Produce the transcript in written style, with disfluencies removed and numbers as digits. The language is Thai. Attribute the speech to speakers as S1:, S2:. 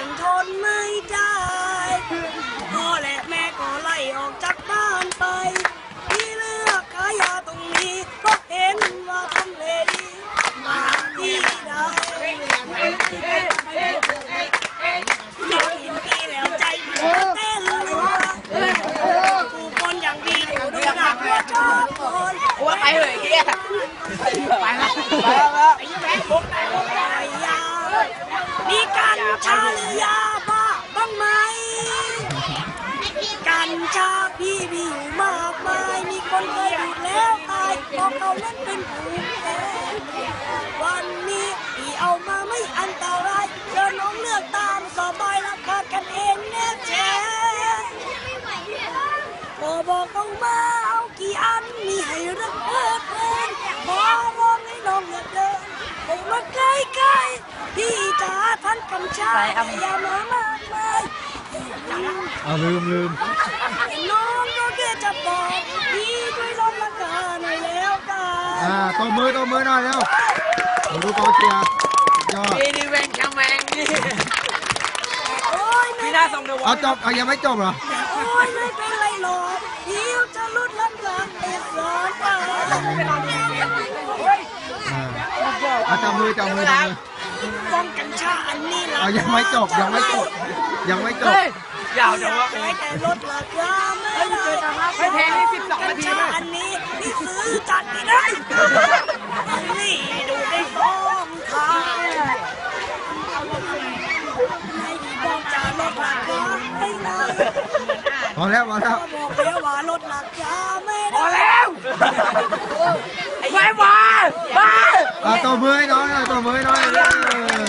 S1: นทนไม่ได้พ่อและแม่ก็ไล่ออกจากบ้านไปที่เลือกขายยาตรงนี้ก็เห็นว่าทำเลดีมาที่ใดเราเห็นพี่แล้วใจเต้นเลยผู้คนอย่างดีดูหนักว่าชอบคนว่าไปเลยเฮียไปแล้วไอ้แม่บุกไหนบุกไหนยามีกัญชาหรือยาบ้าบ้างไหมกัญชาพี่มีอยู่มากมายมีคนเคยดูดแล้วตายเพราะเขานั้นเป็นภูมิแพ้วันนี้พี่เอามาไม่อันตรายเชิญน้องเลือกตามสบายราคากันเองแน่แท้บอกเอามาเอากี่อันมีให้รักเพลินขอร้องให้น้องอย่าเดินผมมาใกล้ๆพี่จ๋าท่านกำชับอย่ามามากมาย
S2: ลืม
S1: น้องก็แค่จะบอกพี่ด้วยลดราคาหน่อยแล้วกัน
S2: ตัวมือหน่อยแล้วดูกองเชียร์ยอด
S3: นี่แวงแคมแวงนี่พี่น่าส่งเดี๋ยว
S2: จบยังไม่จบเหรอ
S1: โอ้ยไม่เป็นไรหรอกพี่จะลดราคาเอกสารไป
S2: จับมือ
S1: ป้องกันชาอันนี้นะ
S2: ยังไม่จบ
S3: ยาวเดี๋ยวว่า
S1: แต่ลดราคาไม่
S3: แพงนี่12 นาทีเลย
S1: อันนี้ที่ซื้อจัดไม่ได้นี่ดูได้ฟ้องทางไม่ดีบอกจะลดราคาไม่ได้
S2: พอแล้ว
S1: บอกแล้วว่าลดราคาไม่ได้
S3: พอแล้วไม่มา
S2: ตัวมือน้อย